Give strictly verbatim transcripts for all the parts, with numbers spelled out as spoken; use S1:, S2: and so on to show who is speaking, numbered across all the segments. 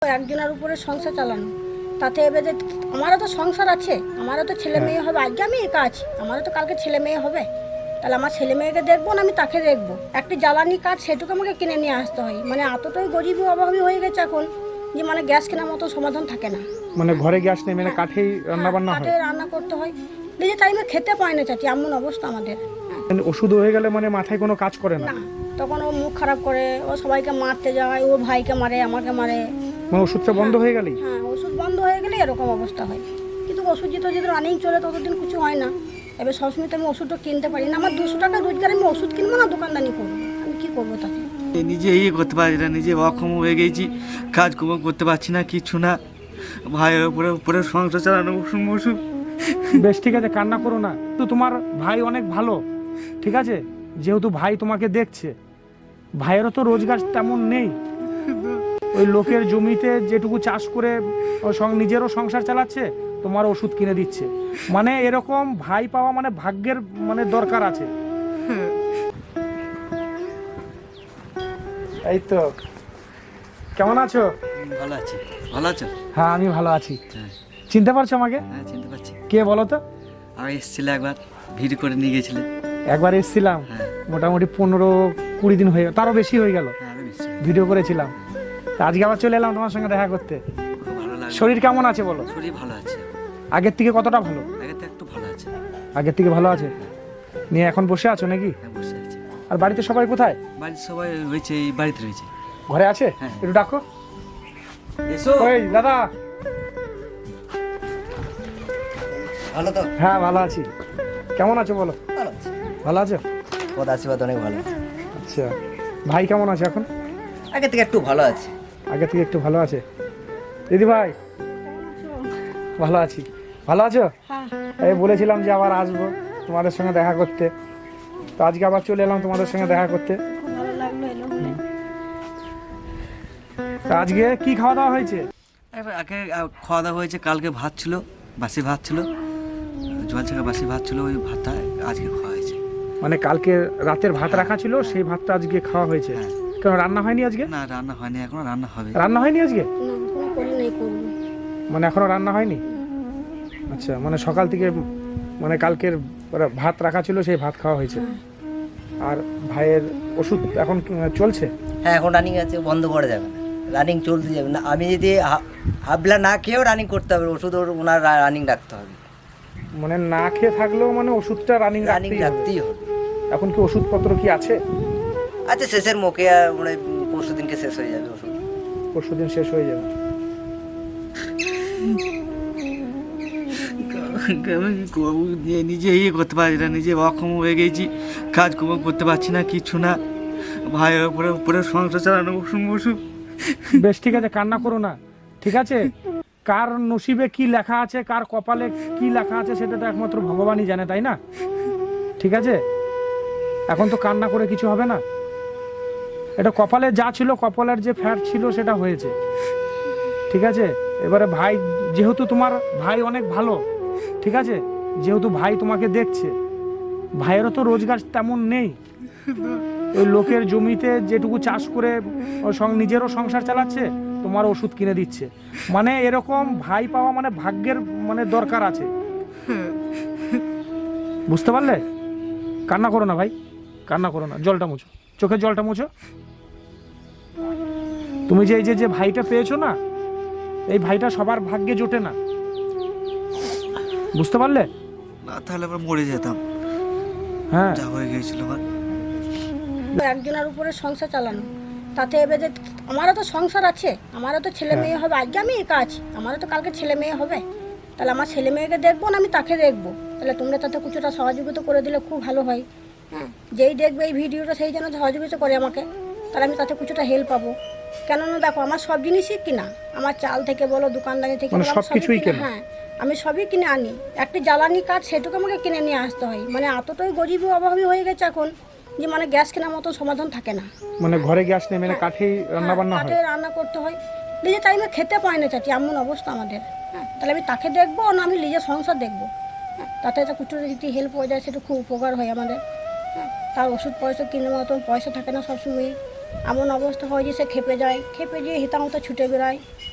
S1: একজনের উপরে সংসার চালানো, তাতে এবার যে আমারও তো সংসার আছে, আমারও তো ছেলে মেয়ে হবে। আজকে আমি একা আছি, আমারও তো কালকে ছেলে মেয়ে হবে। তাহলে আমার ছেলে মেয়েকে দেখবো না আমি তাকে দেখবো? একটি জ্বালানি কাঠ সেটুকু আমাকে কিনে নিয়ে আসতে হয়। মানে এতটাই গরিবী অভাবী হয়ে গেছে এখন যে মানে গ্যাস কেনার মতো সমাধান থাকে না।
S2: মানে ঘরে গ্যাস নেই, মানে কাঠেই রান্না বান্না হয়,
S1: কাঠে রান্না করতে হয়। নিজে টাইমে খেতে পায় না চাচি, এমন অবস্থা আমাদের।
S2: মানে ওষুধ হয়ে গেলে মানে মাথায় কোনো কাজ করে না।
S1: না, তখন ও মুখ খারাপ করে, ও সবাইকে মারতে যায়, ও ভাইকে মারে, আমাকে মারে।
S2: মানে ওষুধটা বন্ধ হয়ে গেলেই?
S1: হ্যাঁ, ওষুধ বন্ধ হয়ে গেলে এরকম অবস্থা হয়। কিন্তু ওষুধ যেটা যদি রানিং চলে ততদিন কিছু হয় না। এবার সবসময় তো আমি ওষুধটা কিনতে পারি না। আমার দুশো টাকা রোজগার, আমি ওষুধ কিনবো না দোকানদানি করবো? আমি কি করবো তাতে?
S3: নিজে ইয়ে করতে পারছি না, নিজে অক্ষম হয়ে গেছি, কাজকর্ম করতে পারছি না, কিছু না। ভাইয়ের উপরে উপরে সংসার চালানো ওষুধ ওষুধ।
S2: বেশ, ঠিক আছে, কান্না করো না। তো তোমার ভাই অনেক ভালো, ঠিক আছে, যেহেতু ভাই তোমাকে দেখছে। ভাইয়েরও তো রোজগার তেমন নেই, ওই লোকের জমিতে যেটুকু চাষ করে ও সং- নিজেরও সংসার চালাচ্ছে, তোমার ওষুধ কিনে দিচ্ছে। মানে এরকম ভাই পাওয়া মানে ভাগ্যের মানে দরকার আছে। এই তো, কেমন আছো?
S3: ভালো আছি। ভালো আছো?
S2: হ্যাঁ, আমি ভালো আছি।
S3: হ্যাঁ
S2: চিনতে পারছো আমাকে?
S3: হ্যাঁ, চিনতে পারছি।
S2: কে বলো তো?
S3: আমি এসেছিলে একবার, ভিড় করে নিয়ে গেছিলে।
S2: একবার এসেছিলাম,
S3: হ্যাঁ
S2: মোটামুটি পনেরো কুড়ি দিন হয়ে গেল, তারও বেশি হয়ে গেল।
S3: হ্যাঁ, আমি নিশ্চয়ই।
S2: ভিডিও করেছিলাম। তা আজকে আবার চলে এলাম তোমার সঙ্গে দেখা করতে।
S3: খুব ভালো লাগলো।
S2: শরীর কেমন আছে বলো?
S3: শরীর ভালো আছে,
S2: আগের থেকে কতটা ভালো?
S3: আগে তো একটু ভালো আছে।
S2: আগের থেকে ভালো আছে নিয়ে এখন বসে আছো নাকি?
S3: হ্যাঁ, বসে আছি।
S2: আর বাড়িতে সবাই কোথায়?
S3: বাড়ির সবাই রয়েছে, এই বাড়িতে রয়েছে।
S2: ঘরে আছে?
S3: হ্যাঁ।
S2: একটু ডাকো।
S3: এসো।
S2: ওই দাদা।
S4: ভালো তো?
S2: হ্যাঁ, ভালো আছি। কেমন আছো বলো?
S4: ভালো আছে,
S2: ভালো আছো?
S4: পদ আশীর্বাদ অনেক ভালো আছে।
S2: আচ্ছা, ভাই কেমন আছে এখন?
S4: আগে থেকে একটু ভালো আছে।
S2: আগে থেকে একটু ভালো আছে। দিদি ভাই ভালো আছি। ভালো আছো?
S1: হ্যাঁ,
S2: এই বলেছিলাম যে আবার আসবো তোমাদের সঙ্গে দেখা করতে, তো আজকে আবার চলে এলাম তোমাদের সঙ্গে দেখা করতে।
S1: খুব ভালো লাগলো এলো।
S2: তা আজকে কি খাওয়া দাওয়া হয়েছে?
S3: এবার আগে আহ, খাওয়া দাওয়া হয়েছে, কালকে ভাত ছিল, বাসি ভাত ছিল, জল ছাকা বাসি ভাত ছিল, ওই ভাতটা আজকে খাওয়া হয়েছে।
S2: মানে কালকে রাতের ভাত রাখা ছিল, সেই ভাতটা আজকে খাওয়া হয়েছে।
S3: হ্যাঁ।
S2: কেন রান্না হয়নি আজকে?
S3: না, রান্না হয়নি এখনো, রান্না হবে।
S2: রান্না হয়নি আজকে?
S1: না, কোনো করি নেই, করবো।
S2: মানে এখনো রান্না হয়নি? আচ্ছা, মানে সকাল থেকে মানে কালকের ভাত রাখা ছিল, সেই ভাত খাওয়া হয়েছে। আর ভাইয়ের ওষুধ এখন চলছে?
S4: হ্যাঁ, এখন রানিং আছে, বন্ধ করা যাবে না, রানিং চলতে যাবে না। আমি যদি হা- হাবলা না খেয়েও রানিং করতে হবে, ওষুধ ওর ওনার রানিং রাখতে হবে।
S2: মানে না খেয়ে থাকলেও মানে ওষুধটা রানিং
S4: রানিং
S2: রাখতেই হবে।
S4: রাখতেই হবে।
S2: এখন কি ওষুধপত্র কি আছে?
S4: আচ্ছা, শেষের মুখে আর মানে পরশু দিনকে শেষ হয়ে যাবে ওষুধ।
S2: পরশু দিন শেষ হয়ে যাবে।
S3: আমি কি করবো? নিজে- নিজে ইয়ে করতে পারছি না, নিজে অক্ষম হয়ে গেছি, কাজকর্ম করতে পারছি না, কিছু না। ভাইয়ের উপরে উপরে সংসার চালানো ওষুধ ওষুধ।
S2: বেশ, ঠিক আছে, কান্না করো না, ঠিক আছে। কার নসিবে কি লেখা আছে, কার কপালে কি লেখা আছে, সেটা তো একমাত্র ভগবানই জানে, তাই না? ঠিক আছে, এখন তো কান্না করে কিছু হবে না। এটা কপালে যা ছিল, কপালের যে ফ্যাট ছিল সেটা হয়েছে, ঠিক আছে। এবারে ভাই, যেহেতু তোমার ভাই অনেক ভালো, ঠিক আছে, যেহেতু ভাই তোমাকে দেখছে। ভাইয়েরও তো রোজগার তেমন নেই, ওই লোকের জমিতে যেটুকু চাষ করে ও সং- নিজেরও সংসার চালাচ্ছে, তোমার ওষুধ কিনে দিচ্ছে। মানে এরকম ভাই পাওয়া মানে ভাগ্যের মানে দরকার আছে, বুঝতে পারলে? কান্না করো না ভাই, কান্না করো না, জলটা মুছো, চোখের জলটা মুছো। তুমি যে এই যে যে ভাইটা পেয়েছো না, এই ভাইটা সবার ভাগ্যে জোটে না, বুঝতে পারলে?
S3: না, তাহলে আবার মরে যেতাম,
S2: হ্যাঁ,
S3: যা হয়ে গিয়েছিল আমার।
S1: একজনের উপরে সংসার চালানো, তাতে এবার যে আমারও তো সংসার আছে, আমারও তো ছেলে মেয়ে হবে। আজকে আমি একা আছি, আমারও তো কালকে ছেলে মেয়ে হবে। তাহলে আমার ছেলে মেয়েকে দেখবো না আমি তাকে দেখবো? তাহলে তোমরা তাতে কিছুটা সহযোগিতা করে দিলে খুব ভালো হয়। হ্যাঁ, যেই দেখবে এই ভিডিওটা সেই যেন সহযোগিতা করে আমাকে, তাহলে আমি তাতে কিছুটা হেল্প পাবো। কেননা দেখো, আমার সব জিনিসই কিনা, আমার চাল থেকে বলো, দোকানদারি থেকে
S2: মানে
S1: বলো, আমি
S2: সবকিছুই
S1: সবই কিনা।
S2: কেনা?
S1: হ্যাঁ, আমি সবই কিনে আনি। একটি জ্বালানি কাঠ সেটুকু আমাকে কিনে নিয়ে আসতে হয়। মানে এতটাই গরিবী অভাবী হয়ে গেছে এখন যে মানে গ্যাস কেনার মতো সমাধান থাকে না।
S2: মানে ঘরে গ্যাস নেই, মানে কাঠেই রান্না বান্না হয়।
S1: কাঠে রান্না করতে হয়। নিজে টাইমে খেতে পায় না চাচি, এমন অবস্থা আমাদের। হ্যাঁ, তাহলে আমি তাকে দেখবো না আমি নিজের সংসার দেখবো? হ্যাঁ, তাতে একটা কিছু যদি হেল্প হয়ে যায় সেটা খুব উপকার হয় আমাদের। হ্যাঁ, তার ওষুধ পয়সা কেনার মতন পয়সা থাকে না সবসময়। এমন অবস্থা হয় যে সে খেপে যায়, খেপে গিয়ে হিতামতো ছুটে বেড়ায়।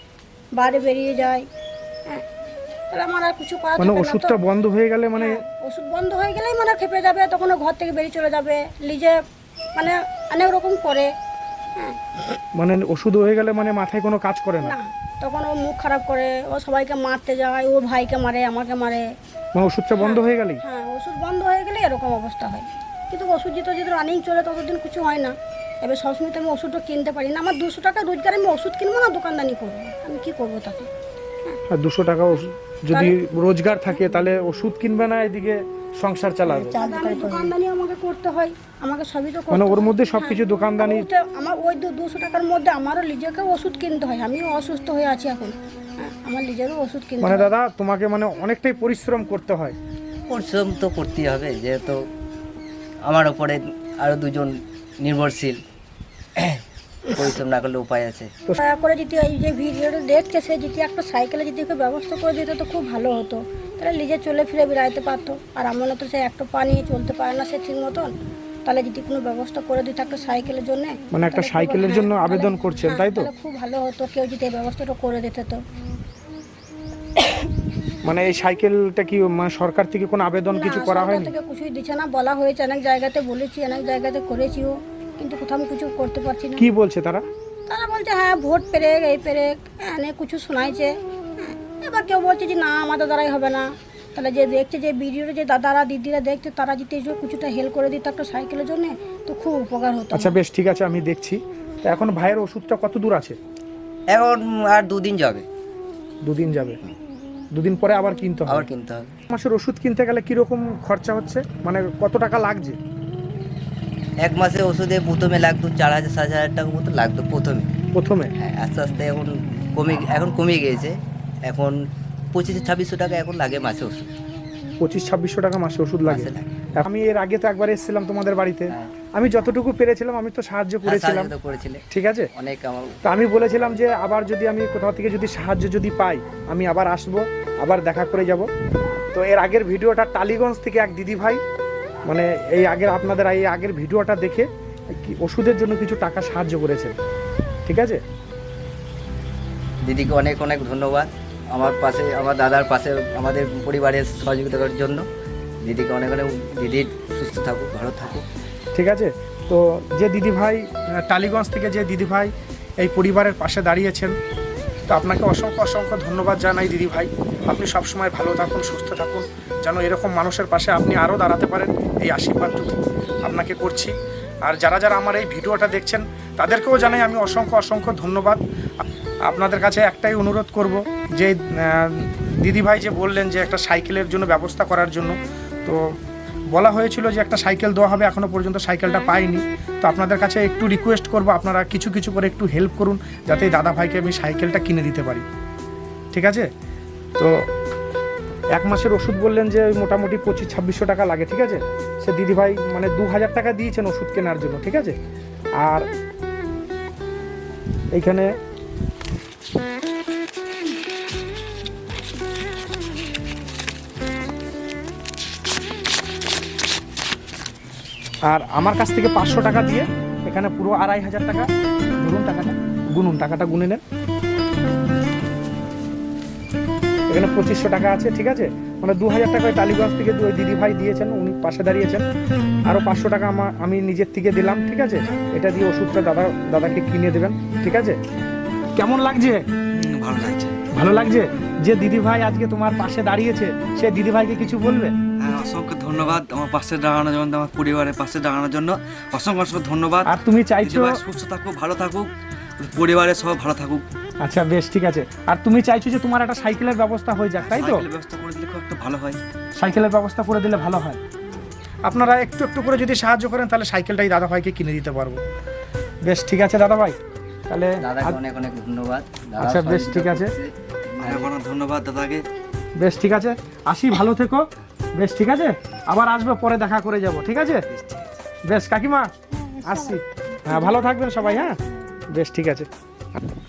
S1: বাইরে বেরিয়ে যায়। হ্যাঁ, তাহলে আমার আর কিছু করার
S2: মানে
S1: থাকে না তো।
S2: ওষুধটা বন্ধ হয়ে গেলে মানে
S1: ওষুধ বন্ধ হয়ে গেলেই মানে খেপে যাবে, তখন ও ঘর থেকে বেরিয়ে চলে যাবে, নিজে মানে অনেক রকম করে। হ্যাঁ,
S2: মানে ওষুধ হয়ে গেলে মানে মাথায় কোনো কাজ করে না,
S1: না তখন ও মুখ খারাপ করে, ও সবাইকে মারতে যায়, ও ভাইকে মারে, আমাকে মারে।
S2: মানে ওষুধটা বন্ধ হয়ে গেলেই।
S1: হ্যাঁ, ওষুধ বন্ধ হয়ে গেলে এরকম অবস্থা হয়। কিন্তু ওষুধ যেহেতু যদি রানিং চলে ততদিন কিছু হয় না। এবার সবসময় তো আমি ওষুধটা কিনতে পারি না, আমার দুশো টাকা রোজগার, আমি ওষুধ কিনবো না দোকানদানি করবো, আমি কি করবো তাকে?
S2: আর দুশো টাকা ওষুধ যদি রোজগার থাকে তাহলে ওষুধ কিনবে না, এদিকে সংসার চালাবে।
S1: আমি দোকানদানি আমাকে করতে হয়, আমাকে সবই তো করতে
S2: মানে ওর
S1: হয়।
S2: মধ্যে সবকিছু দোকানদানি।
S1: ওটা আমার ওই দুশো টাকার মধ্যে আমারও নিজেকে ওষুধ কিনতে হয়, আমিও অসুস্থ হয়ে আছি এখন। হ্যাঁ, আমার নিজেরও ওষুধ কিনতে
S2: মানে
S1: হয়।
S2: দাদা তোমাকে মানে অনেকটাই পরিশ্রম করতে হয়।
S4: পরিশ্রম তো করতেই হবে, যেহেতু আমার ওপরে আরও দুজন নির্ভরশীল, পরিশ্রম না করলে উপায় আছে।
S1: দয়া করে যদি এই যে ভিডিওটা দেখছে সে যদি একটা সাইকেলে যদি একটু ব্যবস্থা করে দিত তো খুব ভালো হতো, তাহলে নিজে চলে ফিরে বেড়াইতে পারতো। আর আমার তো সে একটা পা নিয়ে চলতে পারে না সে ঠিক মতন, তাহলে যদি কোনো ব্যবস্থা করে দিত একটা সাইকেলের জন্য,
S2: মানে একটা সাইকেলের জন্য আবেদন করছেন, তাই তো?
S1: খুব ভালো হতো, কেউ যদি এই ব্যবস্থাটা করে দিত তো।
S2: মানে এই সাইকেলটা কি মানে সরকার থেকে কোনো আবেদন কিছু
S1: না,
S2: করা
S1: সরকার
S2: হয়নি?
S1: থেকে কিছুই দিচ্ছে না, বলা হয়েছে অনেক জায়গাতে, বলেছি অনেক জায়গাতে করেছিও, কিন্তু কোথাও আমি কিছু করতে পারছি না।
S2: কি বলছে তারা?
S1: তারা বলছে হ্যাঁ ভোট পেরেক এই পেরেক, অনেক কিছু শোনাইছে। হ্যাঁ, এবার কেউ বলছে যে না আমাদের দ্বারাই হবে না। তাহলে যে দেখছে যে ভিডিওটা যে দাদারা দিদিরা দেখছে তারা যদি এই কিছুটা হেল্প করে দিত একটা সাইকেলের জন্য তো খুব উপকার হতো।
S2: আচ্ছা বেশ ঠিক আছে, আমি দেখছি। তো এখন ভাইয়ের ওষুধটা কত দূর আছে?
S4: এখন আর দুদিন যাবে,
S2: দুদিন যাবে, দুদিন পরে আবার কিনতে হবে।
S4: আবার কিনতে হবে।
S2: মাসের ওষুধ কিনতে গেলে কিরকম খরচা হচ্ছে, মানে কত টাকা লাগছে?
S4: এক মাসে ওষুধে প্রথমে লাগতো চার হাজার সাত হাজার টাকা মতো লাগতো প্রথমে।
S2: প্রথমে
S4: হ্যাঁ, আস্তে আস্তে এখন কমে এখন কমে গিয়েছে, এখন পঁচিশ ছাব্বিশশো টাকা এখন লাগে মাসে ওষুধ।
S2: পঁচিশ ছাব্বিশশো টাকা মাসে ওষুধ লাগে।
S4: মাসে লাগে।
S2: আমি এর আগে তো একবার এসেছিলাম তোমাদের বাড়িতে,
S4: হ্যাঁ।
S2: আমি যতটুকু পেরেছিলাম আমি তো সাহায্য
S4: হ্যাঁ,
S2: করেছিলাম,
S4: সাহায্য তো করেছিলে,
S2: ঠিক আছে?
S4: অনেক আমার।
S2: তো আমি বলেছিলাম যে আবার যদি আমি কোথাও থেকে যদি সাহায্য যদি পাই আমি আবার আসব, আবার দেখা করে যাব। তো এর আগের ভিডিওটা টালিগঞ্জ থেকে এক দিদি ভাই মানে এই আগের আপনাদের এই আগের ভিডিওটা দেখে কি ওষুধের জন্য কিছু টাকা সাহায্য করেছেন, ঠিক আছে?
S4: দিদিকে অনেক অনেক ধন্যবাদ, আমার পাশে আমার দাদার পাশে আমাদের পরিবারের সহযোগিতা করার জন্য। দিদিকে অনেক অনেক, দিদির সুস্থ থাকুক, ভালো থাকুক।
S2: ঠিক আছে। তো যে দিদি ভাই টালিগঞ্জ থেকে যে দিদি ভাই এই পরিবারের পাশে দাঁড়িয়েছেন, তো আপনাকে অসংখ্য অসংখ্য ধন্যবাদ জানাই দিদি ভাই। আপনি সবসময় ভালো থাকুন, সুস্থ থাকুন, যেন এরকম মানুষের পাশে আপনি আরও দাঁড়াতে পারেন, এই আশীর্বাদটুকু আপনাকে করছি। আর যারা যারা আমার এই ভিডিওটা দেখছেন তাদেরকেও জানাই আমি অসংখ্য অসংখ্য ধন্যবাদ। আপনাদের কাছে একটাই অনুরোধ করব যে দিদি ভাই যে বললেন যে একটা সাইকেলের জন্য ব্যবস্থা করার জন্য, তো বলা হয়েছিল যে একটা সাইকেল দেওয়া হবে, এখনও পর্যন্ত সাইকেলটা পাইনি। তো আপনাদের কাছে একটু রিকোয়েস্ট করব আপনারা কিছু কিছু করে একটু হেল্প করুন, যাতে এই দাদা ভাইকে আমি সাইকেলটা কিনে দিতে পারি, ঠিক আছে? তো এক মাসের ওষুধ বললেন যে ওই মোটামুটি পঁচিশ ছাব্বিশশো টাকা লাগে, ঠিক আছে? সে দিদি ভাই মানে দু হাজার টাকা দিয়েছেন ওষুধ কেনার জন্য, ঠিক আছে? আর এইখানে আর আমার কাছ থেকে পাঁচশো টাকা দিয়ে এখানে পুরো আড়াই হাজার টাকা ধরুন, টাকাটা গুনুন, টাকাটা গুনে নেন। এখানে পঁচিশশো টাকা আছে, ঠিক আছে? মানে দু হাজার টাকা ওই টালিগঞ্জ থেকে ওই দিদি ভাই দিয়েছেন, উনি পাশে দাঁড়িয়েছেন। আরও পাঁচশো টাকা আমার আমি নিজের থেকে দিলাম, ঠিক আছে? এটা দিয়ে ওষুধটা দাদা দাদাকে কিনে দেবেন, ঠিক আছে? কেমন লাগছে?
S3: ভালো লাগছে।
S2: ভালো লাগছে। যে দিদি ভাই আজকে তোমার পাশে দাঁড়িয়েছে সে দিদি ভাইকে কিছু বলবে?
S3: হ্যাঁ, অসংখ্য ধন্যবাদ আমার পাশে দাঁড়ানোর জন্য, আমার পরিবারের পাশে দাঁড়ানোর জন্য অসংখ্য অসংখ্য ধন্যবাদ।
S2: আর তুমি চাইছো
S3: দিদিভাই সুস্থ থাকুক, ভালো থাকুক, পরিবারের সব ভালো থাকুক।
S2: আচ্ছা বেশ ঠিক আছে। আর তুমি চাইছো যে তোমার একটা সাইকেলের ব্যবস্থা হয়ে যাক, তাই তো?
S3: সাইকেলের ব্যবস্থা করে দিলে খুব একটা ভালো হয়।
S2: সাইকেলের ব্যবস্থা করে দিলে ভালো হয়। আপনারা একটু একটু করে যদি সাহায্য করেন তাহলে সাইকেলটাই দাদা ভাইকে কিনে দিতে পারবো। বেশ ঠিক আছে দাদা ভাই, তাহলে
S4: দাদাকে অনেক অনেক ধন্যবাদ। দাদা
S2: আচ্ছা বেশ
S4: সহযোগিতা
S2: ঠিক আছে,
S4: করছে।
S3: অনেক অনেক ধন্যবাদ দাদাকে।
S2: বেশ ঠিক আছে, আসি, ভালো থেকো। বেশ ঠিক আছে, আবার আসবো, পরে দেখা করে যাব, ঠিক আছে? বেশ কাকিমা আসছি, হ্যাঁ ভালো থাকবেন সবাই, হ্যাঁ বেশ ঠিক আছে।